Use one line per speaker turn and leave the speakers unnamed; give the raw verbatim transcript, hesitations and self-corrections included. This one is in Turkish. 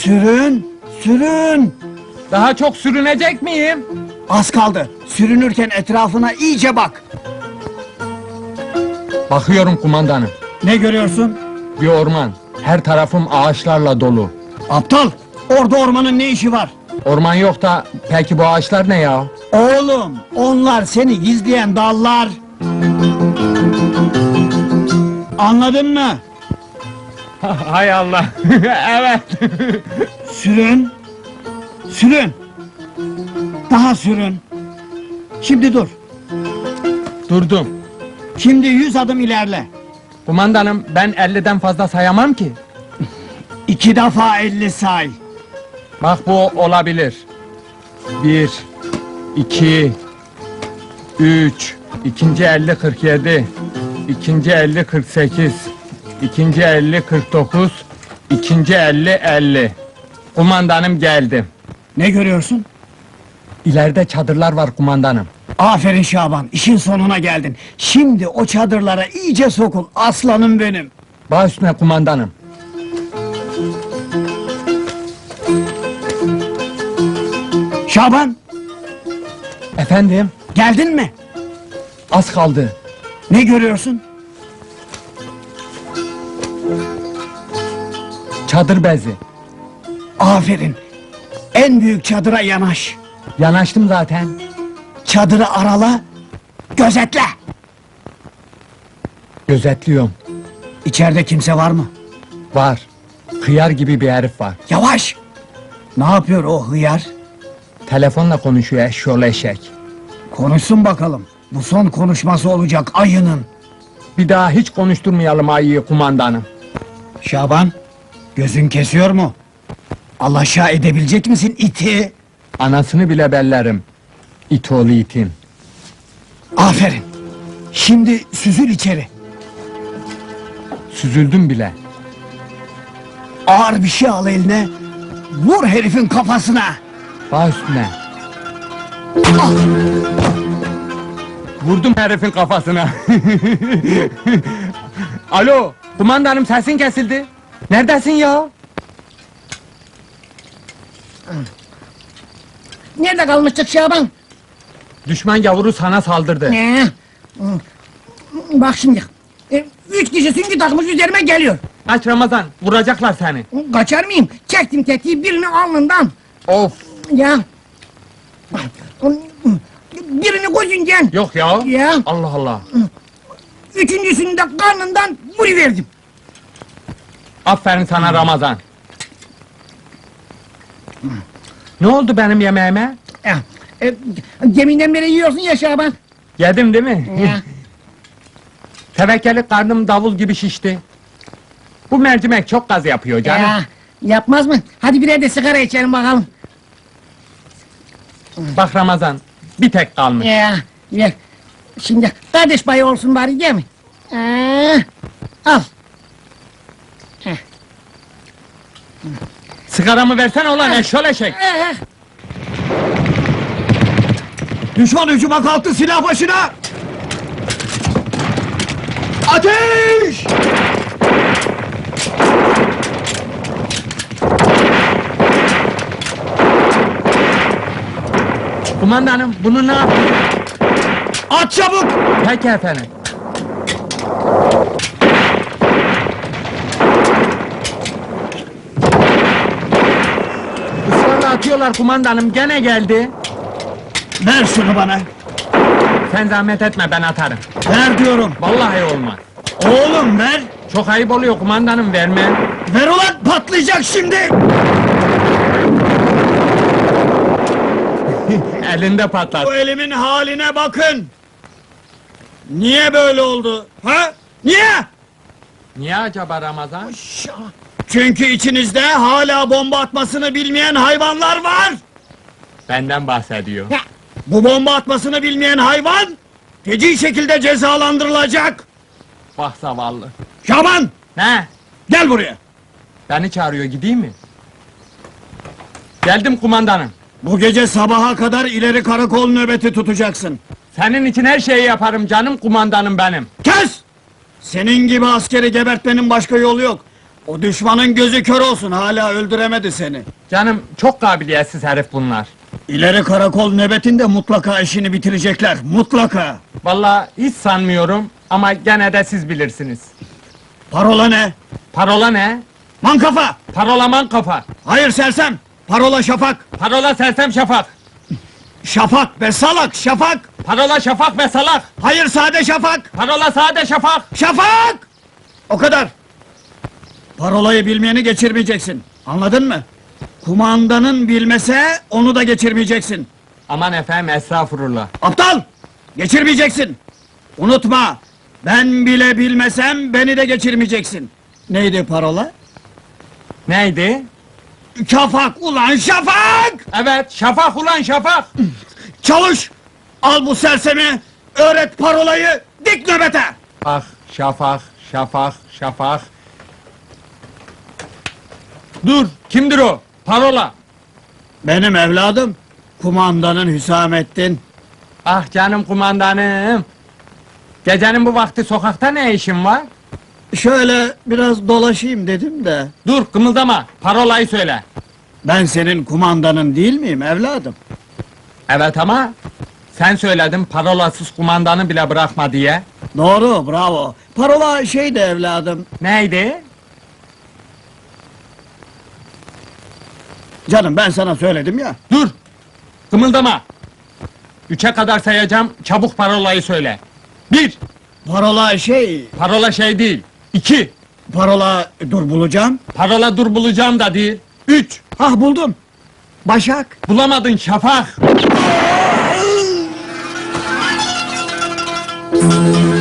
Sürün, sürün!
Daha çok sürünecek miyim?
Az kaldı. Sürünürken etrafına iyice bak.
Bakıyorum kumandanım.
Ne görüyorsun?
Bir orman. Her tarafım ağaçlarla dolu.
Aptal! Orada ormanın ne işi var?
Orman yok da peki bu ağaçlar ne ya?
Oğlum, onlar seni gizleyen dallar. Anladın mı?
Hay Allah. Evet.
Sürün. Sürün. Daha sürün. Şimdi dur.
Durdum.
Şimdi yüz adım ilerle.
Kumandanım ben elliden fazla sayamam ki.
İki defa elli say.
Bak bu olabilir. Bir, iki, üç, ikinci elli kırk yedi, ikinci elli kırk sekiz, ikinci elli kırk dokuz, ikinci elli elli. Kumandanım geldim.
Ne görüyorsun?
İleride çadırlar var kumandanım.
Aferin Şaban, işin sonuna geldin. Şimdi o çadırlara iyice sokul, aslanım benim.
Baş üstüne kumandanım.
Şaban,
Efendim,
geldin mi?
az kaldı.
Ne görüyorsun?
Çadır bezi.
Aferin. En büyük çadıra yanaş.
Yanaştım zaten.
Çadırı arala, gözetle.
Gözetliyorum.
İçeride kimse var mı?
Var. Hıyar gibi bir herif var.
Yavaş! Ne yapıyor o hıyar?
Telefonla konuşuyor eşşoğlu eşek.
Konuşsun bakalım. Bu son konuşması olacak ayının.
Bir daha hiç konuşturmayalım ayıyı kumandanım.
Şaban, gözün kesiyor mu? Alaşağı edebilecek misin iti?
Anasını bile bellerim. İt oğlu itin.
Aferin. Şimdi süzül içeri.
Süzüldüm bile.
Ağır bir şey al eline. Vur herifin kafasına.
Baş üstüne.
Ah!
Vurdum herifin kafasına. Alo, kumandanım sesin kesildi. Neredesin ya?
Nerede kalmıştık Şaban?
Düşman yavru sana saldırdı.
Ee, bak şimdi, e, üç kişi süngü takmış üzerime geliyor.
Kaç Ramazan, vuracaklar seni.
Kaçar mıyım? Çektim tetiği birini alnından.
Of,
Ya. Birini gözünden.
yok ya.
Ya.
Allah Allah.
Üçüncüsünü de karnından vuruverdim.
Aferin sana Ramazan. Ne oldu benim yemeğime?
Ya, e, geminden beri yiyorsun ya Şaban.
Yedim değil mi?
Ya.
Tevekkeli karnım davul gibi şişti. Bu mercimek çok gaz yapıyor canım.
Ya, yapmaz mı? Hadi birer de sigara içelim bakalım.
Bak Ramazan, bir tek kalmış.
Ya, ver. Şimdi kardeş payı olsun bari değil mi? Ee, al.
Sigaramı versene ulan eşşol eşek.
Ee,
Düşman hücuma kalktı, silah başına! Ateş!
Kumandanım, bunu ne yapayım?
At çabuk!
Peki efendim. Israrla atıyorlar kumandanım, gene geldi.
Ver şunu bana.
Sen zahmet etme, ben atarım.
Ver diyorum.
Vallahi olmaz.
Oğlum ver.
Çok ayıp oluyor kumandanım, vermem.
Ver ulan, patlayacak şimdi!
Elinde patlat.
Bu elimin haline bakın! Niye böyle oldu? Ha? Niye?
Niye acaba Ramazan?
Çünkü içinizde hala bomba atmasını bilmeyen hayvanlar var!
Benden bahsediyor.
Ya.
Bu bomba atmasını bilmeyen hayvan feci şekilde cezalandırılacak!
Bak zavallı.
Şaban!
Ne?
Gel buraya!
Beni çağırıyor, gideyim mi? Geldim kumandanım.
Bu gece sabaha kadar ileri karakol nöbeti tutacaksın.
Senin için her şeyi yaparım canım kumandanım benim.
Kes! Senin gibi askeri gebertmenin başka yolu yok. O düşmanın gözü kör olsun, hala öldüremedi seni.
Canım çok kabiliyetsiz herif bunlar.
İleri karakol nöbetinde mutlaka işini bitirecekler, mutlaka!
Vallahi hiç sanmıyorum ama gene de siz bilirsiniz.
Parola ne?
Parola ne?
Mankafa!
Parola man kafa.
Hayır sersem! Parola şafak!
Parola sersem şafak.
Şafak be salak, şafak!
Parola şafak ve salak.
Hayır sade şafak!
Parola sade şafak.
Şafak! O kadar! Parolayı bilmeyeni geçirmeyeceksin, anladın mı? Kumandanın bilmese, onu da geçirmeyeceksin.
Aman efendim estağfurullah.
Aptal! Geçirmeyeceksin! Unutma! Ben bile bilmesem, beni de geçirmeyeceksin. Neydi parola?
Neydi?
Şafak ulan şafak!
Evet şafak ulan şafak.
Çalış! Al bu sersemi, öğret parolayı, dik nöbete!
Ah şafak şafak şafak. Dur kimdir o? Parola.
Benim evladım, kumandanın Hüsamettin.
Ah canım kumandanım. Gecenin bu vakti sokakta ne işin var?
Şöyle biraz dolaşayım dedim de.
Dur kımıldama, parolayı söyle.
Ben senin kumandanın değil miyim evladım?
Evet ama sen söyledin parolasız kumandanı bile bırakma diye.
Doğru, bravo. Parola şeydi evladım.
Neydi?
Canım ben sana söyledim ya.
Dur! Kımıldama! Üçe kadar sayacağım, çabuk parolayı söyle. Bir!
Parola şey,
Parola şey değil. İki!
parola dur bulacağım.
Parola dur bulacağım da değil. Üç!
Hah buldum. Başak.
Bulamadın şafak!